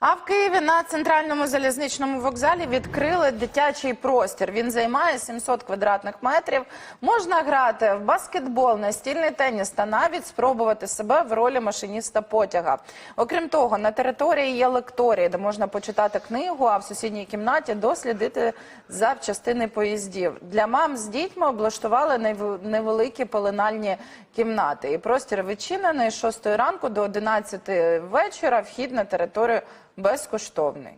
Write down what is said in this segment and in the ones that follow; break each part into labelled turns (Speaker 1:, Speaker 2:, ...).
Speaker 1: А в Києві на центральному залізничному вокзалі відкрили дитячий простір. Він займає 700 квадратних метрів. Можна грати в баскетбол, настільний теніс та навіть спробувати себе в ролі машиніста потяга. Окрім того, на території є лекторії, де можна почитати книгу, а в сусідній кімнаті дослідити запчастини поїздів. Для мам з дітьми облаштували невеликі пеленальні кімнати. І простір відчинений з 6 ранку до 11 вечора. Вхід на територію безкоштовний.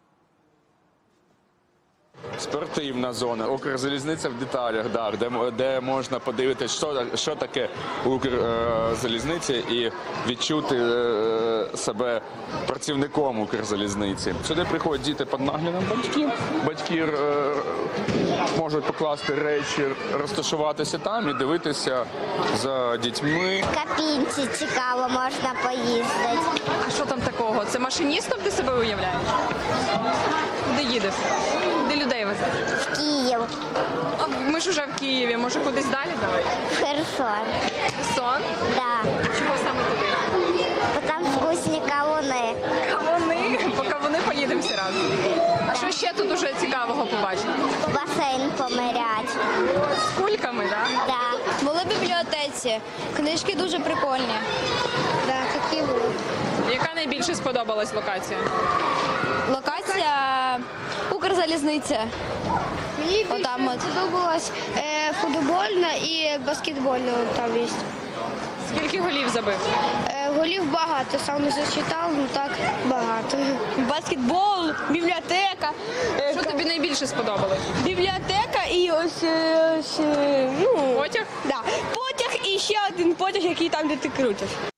Speaker 2: Спортивна зона, Укрзалізниця в деталях, де можна подивитися, що таке Укрзалізниця і відчути себе працівником Укрзалізниці. Сюди приходять діти під наглядом батьків. Батьки можуть покласти речі, розташуватися там і дивитися за дітьми.
Speaker 3: В кабінці цікаво, можна поїздити.
Speaker 4: А що там такого? Це машиністом ти себе уявляєш? Куди їдеш? Де людей везеш?
Speaker 3: В Київ,
Speaker 4: А ми ж уже в Києві, може кудись далі давай?
Speaker 3: в Херсон.
Speaker 4: Сон?
Speaker 3: Да.
Speaker 4: Чого саме туди?
Speaker 3: Бо там вкусні кавуни.
Speaker 4: Кавуни? По кавуни поїдемо всі разом. А що ще тут уже цікавого побачити?
Speaker 3: В басейн помирять.
Speaker 4: З кульками, так?
Speaker 3: Да.
Speaker 5: Були в бібліотеці. Книжки дуже прикольні.
Speaker 3: Да, такі були.
Speaker 4: Яка найбільше сподобалась локація?
Speaker 5: Локація Укрзалізниця.
Speaker 6: Мені
Speaker 5: Отам
Speaker 6: більше
Speaker 5: от.
Speaker 6: сподобалась футбольна і баскетбольна там є.
Speaker 4: Скільки голів забив?
Speaker 6: Голів багато, сам не зачитав, ну так багато.
Speaker 5: Баскетбол, бібліотека.
Speaker 4: Що тобі найбільше сподобалось?
Speaker 5: Бібліотека і ось, ну,
Speaker 4: Потяг?
Speaker 5: да. Потяг і ще один потяг, який там, де ти крутиш.